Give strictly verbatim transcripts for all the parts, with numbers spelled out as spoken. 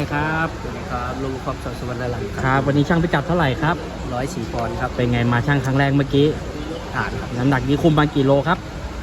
ครับสวัสดีครับลุงครอบสสุวรรณรังครับวันนี้ช่างพิกัดเท่าไหร่ครับร้อยสี่ปอนด์ครับเป็นไงมาช่างครั้งแรกเมื่อกี้ผ่านครับน้ำหนักนี้คุมมากี่โลครับ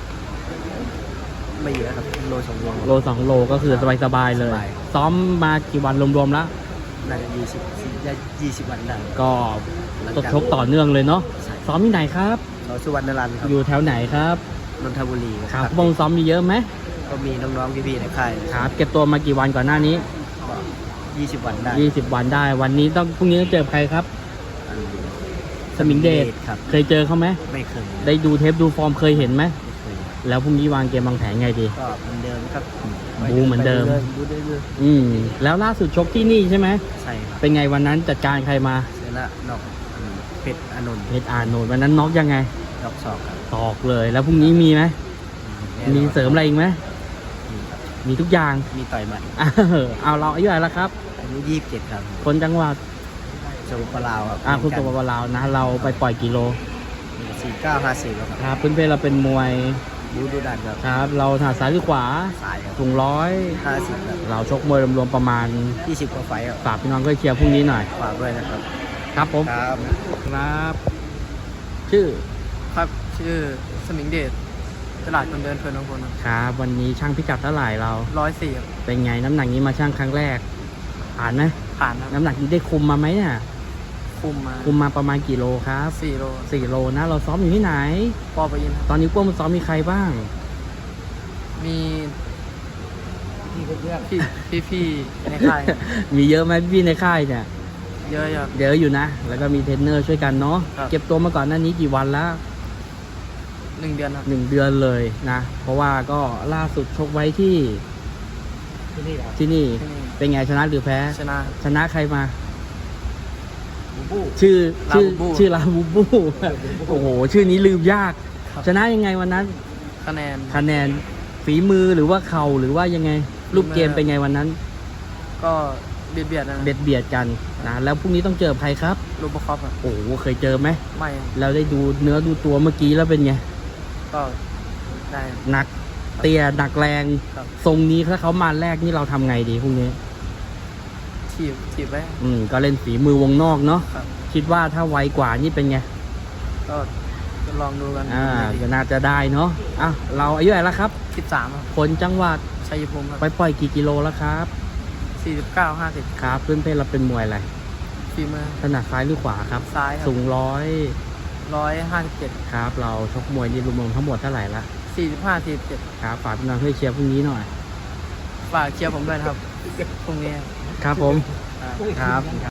ไม่เยอะครับโลสองโลโลสองโลก็คือสบายๆเลยสบายซ้อมมากี่วันรวมๆแล้วน่าจะยี่สิบยี่สิบวันได้ก็ตดชกต่อเนื่องเลยเนาะใช่ซ้อมที่ไหนครับสสุวรรณรังครับอยู่แถวไหนครับนนทบุรีครับวงซ้อมมีเยอะไหมก็มีน้องๆพี่ๆในค่ายครับเก็บตัวมากี่วันก่อนหน้านี้ก็ยี่สิบวันได้ยี่สิบวันได้วันนี้ต้องพรุ่งนี้ต้องเจอใครครับอันสมิงเดชครับเคยเจอเขาไหมไม่เคยได้ดูเทปดูฟอร์มเคยเห็นไหมไม่เคยแล้วพรุ่งนี้วางเกมวางแผนไงดีก็เหมือนเดิมครับบูเหมือนเดิมบูเรื่อยอืมแล้วล่าสุดชกที่นี่ใช่ไหมๆใช่ครับเป็นไงวันนั้นจัดการใครมาเสร็จแล้วนอกอันเพชรอานนท์เพชรอานนท์วันนั้นน็อกยังไงดอกศอกครับตอกเลย แล้วพรุ่งนี้มีไหมแน่นอนมีเสริมอะไรอีกไหมมีครับมีทุกอย่างมีต่อยหมัดเออเอาเราอายุอะไรแล้วครับอายุยี่สิบเจ็ดครับคนจังหวัดสมุทรปราการครับอ่าคุณตัวบาลาวนะ เราไปปล่อยกิโลสี่เก้าห้าสี่ครับครับพื้นเพเราเป็นมวยบูดูดันครับครับ เราถนัดซ้ายหรือขวาสายครับสูงร้อยห้าสิบครับเราชกมวยรวมๆประมาณยี่สิบกว่าไฟต์ครับฝากพี่น้องก็เชียร์พรุ่งนี้หน่อยฝากด้วยนะครับครับผมครับครับ ชื่อครับชื่อสมิงเดชตลาดคนเดินเพลินบางคนครับวันนี้ช่างพิกัดเท่าไหร่เราร้อยสี่เป็นไงน้ำหนักนี้มาช่างครั้งแรก ผ่านไหมผ่านครับน้ำหนักนี้ได้คุมมาไหมเนี่ยคุมมาคุมมาประมาณกี่โลครับสี่โลสี่โลนะ เราซ้อมอยู่ที่ไหนปอไปยินครับตอนนี้พวกมันซ้อมมีใครบ้างมีพี่เพื่อนพี่พี่พี่ในค่ายมีเยอะไหมพี่ในค่ายเนี่ยเยอะอยู่ครับเยอะอยู่นะ แล้วก็มีเทรนเนอร์ช่วยกันเนาะครับเก็บตัวมาก่อนหน้านี้กี่วันแล้วหนึ่งเดือนครับหนึ่งเดือนเลยนะ เพราะว่าก็ล่าสุดชกไว้ที่ที่นี่ครับที่นี่ที่นี่เป็นไงชนะหรือแพ้ชนะชนะใครมาบูบูชื่อชื่อลาบูบูชื่อลาบูบู โอ้โห ชื่อนี้ลืมยากครับชนะยังไงวันนั้นคะแนนคะแนนฝีมือหรือว่าเข่าหรือว่ายังไง รูปเกมเป็นไงวันนั้นก็เบียดเบียดนะเบียดเบียดกันนะแล้วพรุ่งนี้ต้องเจอใครครับรูปประคอบครับโอ้โหเคยเจอไหมไม่ครับเราได้ดูเนื้อดูตัวเมื่อกี้แล้วเป็นไงก็ได้ครับหนักเตี้ยหนักแรงครับทรงนี้ถ้าเขามาแรกนี่เราทำไงดีพรุ่งนี้ถีบถีบไว้อืมก็เล่นฝีมือวงนอกเนาะครับคิดว่าถ้าไวกว่านี่เป็นไงก็ลองดูกันอ่าก็น่าจะได้เนาะอ่ะเราอายุอะไรแล้วครับสิบสามครับคนจังหวัดชัยภูมิครับไปปล่อยกี่กิโลแล้วครับสี่สิบเก้าห้าสิบครับเพื่อนเพศเราเป็นมวยอะไรฝีมือถนัดซ้ายหรือขวาครับซ้ายครับสูงร้อยร้อยห้าสิบเจ็ดครับ เราชกมวยนี่รวมๆทั้งหมดเท่าไหร่ละสี่สิบห้าสี่สิบเจ็ดครับฝากพี่น้องช่วยเชียร์พรุ่งนี้หน่อยฝากเชียร์ผมด้วยนะครับพรุ่งนี้ครับผมครับครับ